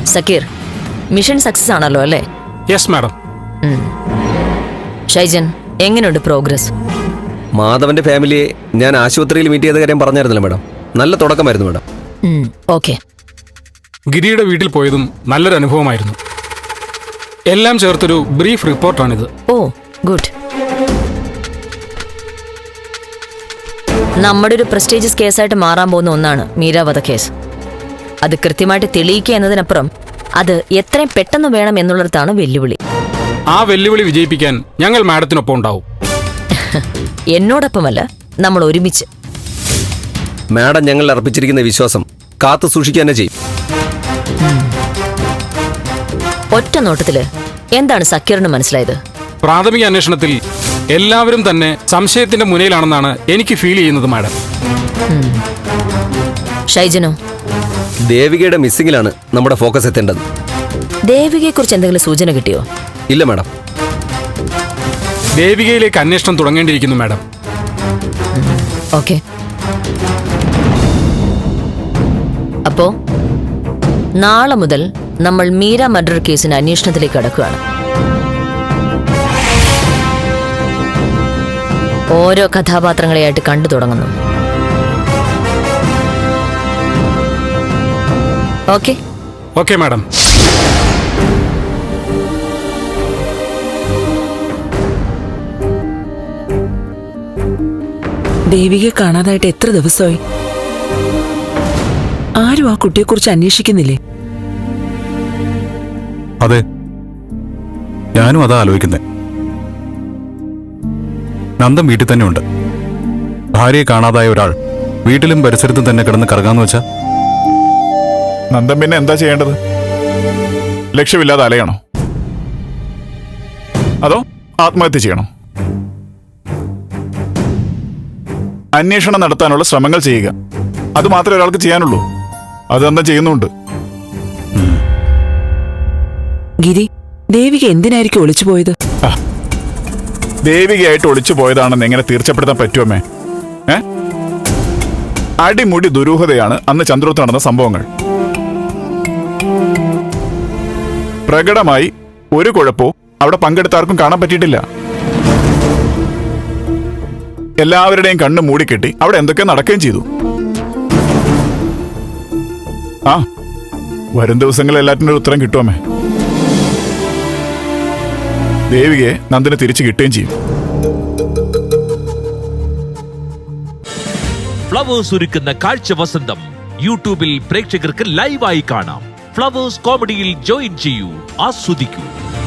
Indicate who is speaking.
Speaker 1: Zakir, mission success ആണല്ലോ അല്ലേ?
Speaker 2: Yes madam.
Speaker 1: Shaijan, എങ്ങനെയുണ്ട് പ്രോഗ്രസ്?
Speaker 3: മാധവന്റെ ഫാമിലിയെ ഞാൻ ആശുപത്രിയിൽ മീറ്റ് ചെയ്ത കാര്യം പറഞ്ഞായിരുന്നല്ലോ മാഡം. നല്ല തുടക്കമായിരുന്നു മാഡം.
Speaker 1: ഓക്കെ.
Speaker 2: ഗിരിയുടെ വീട്ടിൽ പോയതും നല്ലൊരു അനുഭവമായിരുന്നു. എല്ലാം ചേർത്തൊരു ബ്രീഫ് റിപ്പോർട്ടാണിത്.
Speaker 1: ഓ ഗുഡ്. നമ്മുടെ ഒരു പ്രസ്റ്റീജിയസ് കേസായിട്ട് മാറാൻ പോകുന്ന ഒന്നാണ് മീര വധക്കേസ്. അത് കൃത്യമായിട്ട് തെളിയിക്കുക എന്നതിനപ്പുറം അത് എത്രയും പെട്ടെന്ന് വേണം എന്നുള്ളിടത്താണ് വെല്ലുവിളി.
Speaker 2: ആ വെല്ലുവിളി വിജയിപ്പിക്കാൻ ഞങ്ങൾ മാഡത്തിനൊപ്പം ഉണ്ടാവും.
Speaker 1: എന്നോടൊപ്പമല്ല, നമ്മൾ ഒരുമിച്ച്.
Speaker 3: മാഡം ഞങ്ങൾ അർപ്പിച്ചിരിക്കുന്ന വിശ്വാസം കാത്തു സൂക്ഷിക്കുക തന്നെ ചെയ്യും.
Speaker 1: ഒറ്റ നോട്ടത്തില് എന്താണ് സക്കീറിന് മനസ്സിലായത്?
Speaker 2: പ്രാഥമിക അന്വേഷണത്തിൽ എല്ലാവരും തന്നെ സംശയത്തിന്റെ മുനയിലാണെന്നാണ് എനിക്ക് ഫീൽ ചെയ്യുന്നത് മാഡം.
Speaker 1: ഷൈജനോ?
Speaker 3: ദേവികയുടെ മിസ്സിംഗിലാണ് നമ്മുടെ ഫോക്കസ് എത്തേണ്ടത്.
Speaker 1: ദേവികയെക്കുറിച്ച് എന്തെങ്കിലും സൂചന കിട്ടിയോ?
Speaker 3: ഇല്ല മാഡം.
Speaker 2: ദേവികയിലേക്ക് അന്വേഷണം തുടങ്ങേണ്ടിയിരിക്കുന്നു മാഡം.
Speaker 1: ഓക്കെ. അപ്പോ നാളെ മുതൽ നമ്മൾ മീര മർഡർ കേസിന്റെ അന്വേഷണത്തിലേക്ക് കടക്കുകയാണ്. ഓരോ കഥാപാത്രങ്ങളെയായിട്ട് കണ്ടു തുടങ്ങുന്നു. ഓക്കെ?
Speaker 2: Okay madam.
Speaker 4: ദേവികയെ കാണാതായിട്ട് എത്ര ദിവസമായി? ആരും ആ കുട്ടിയെക്കുറിച്ച് അന്വേഷിക്കുന്നില്ലേ?
Speaker 5: അതെ, ഞാനും അതാ ആലോചിക്കുന്നേ. നന്ദൻ വീട്ടിൽ തന്നെ ഉണ്ട്. ഭാര്യയെ കാണാതായ ഒരാൾ വീട്ടിലും പരിസരത്തും തന്നെ കിടന്ന് കറങ്ങാന്ന് വെച്ചാ
Speaker 6: നന്ദൻ പിന്നെ എന്താ ചെയ്യേണ്ടത്? ലക്ഷ്യമില്ലാതെ അലയണോ? അതോ ആത്മഹത്യ ചെയ്യണോ? അന്വേഷണം നടത്താനുള്ള ശ്രമങ്ങൾ ചെയ്യുക, അത് മാത്രമേ ഒരാൾക്ക് ചെയ്യാനുള്ളൂ. അത് എന്താ ചെയ്യുന്നുണ്ട്.
Speaker 4: ഗിരി, ദേവിക എന്തിനായിരിക്കും ഒളിച്ചു പോയത്?
Speaker 6: ദേവികയായിട്ട് ഒളിച്ചു പോയതാണെന്ന് എങ്ങനെ തീർച്ചപ്പെടുത്താൻ പറ്റുമേ? അടിമുടി ദുരൂഹതയാണ് അന്ന് ചന്ദ്രോത്ത് നടന്ന സംഭവങ്ങൾ. പ്രകടമായി ഒരു കുഴപ്പമോ അവിടെ പങ്കെടുത്താർക്കും കാണാൻ പറ്റിയിട്ടില്ല. എല്ലാവരുടെയും കണ്ണ് മൂടിക്കെട്ടി അവിടെ എന്തൊക്കെ നടക്കുകയും ചെയ്തു. വരും ദിവസങ്ങളിൽ എല്ലാറ്റിനും ഒരു ഉത്തരം കിട്ടുമേ. ദേവികയെ നന്ദിന് തിരിച്ചു കിട്ടുകയും ചെയ്യും.
Speaker 7: ഫ്ലവേഴ്സ് ഒരുക്കുന്ന കാഴ്ച വസന്തം യൂട്യൂബിൽ പ്രേക്ഷകർക്ക് ലൈവായി കാണാം. ഫ്ലവേഴ്സ് കോമഡിയിൽ ജോയിൻ ചെയ്യൂ, ആസ്വദിക്കൂ.